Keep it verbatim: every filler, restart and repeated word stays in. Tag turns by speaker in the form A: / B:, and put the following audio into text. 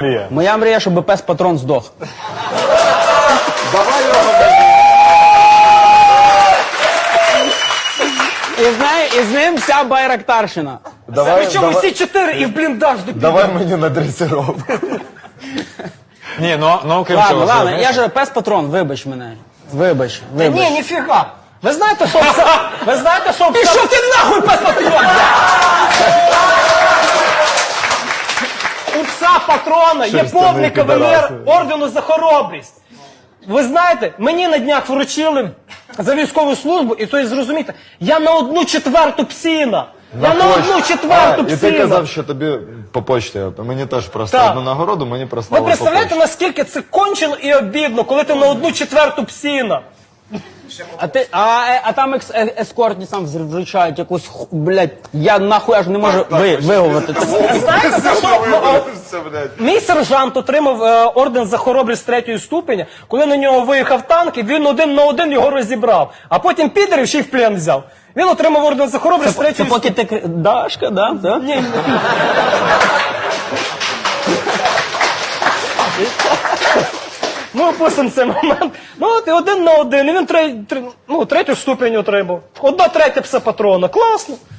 A: мрія?
B: Моя мрія, щоб пес-патрон здох.
A: Давай його.
B: І з, нею, і з ним вся Байрактарщина.
A: Давай,
C: Причому
A: давай,
C: всі чотири і в бліндаж до
A: давай мені на дресировку.
D: Ні, ну, ну окрім
B: Ладно,
D: цього,
B: ладно,
D: знаєш,
B: я ж пес-патрон, вибач мене. Вибач, вибач.
C: Ні, ніфіга. Ви знаєте, що пса... Ви знаєте, що пса...
B: Пішов ти нахуй, пес-патрон!
C: У пса патрона є
A: Шерстяний
C: повний кавалер
A: підараси.
C: ордену за хоробрість. Ви знаєте, мені на днях вручили за військову службу, і то і зрозумієте, я на одну четверту псіна. Я на одну четверту
A: А, і ти
C: псіна.
A: казав, що тобі по почті, мені теж просто
C: Так.
A: одну нагороду, мені
C: Ви
A: прислали по
C: представляєте,
A: почті.
C: наскільки це кончено і обідно, коли ти на одну четверту псіна?
B: А, ти, а, е, а там екс, е, ескортні сам вручають якусь, ху- блядь, я нахуй аж не можу ви, виговорити. це.
C: Знаєте, за що? О,
A: Це, блядь.
C: Мій сержант отримав е, орден за хоробрість третьої ступеня, коли на нього виїхав танк, і він один на один його розібрав. А потім підерів ще й в плен взяв. Він отримав орден за хоробрість
B: Це
C: третьої
B: поки
C: ступеня.
B: ти... кри- Дашка, да? да?
C: Ні, ні. Ну, опустимо цей момент. Ну, от і один на один, і він тре, тре, ну, третю ступень отримав. Одна третя пса патрона. Класно.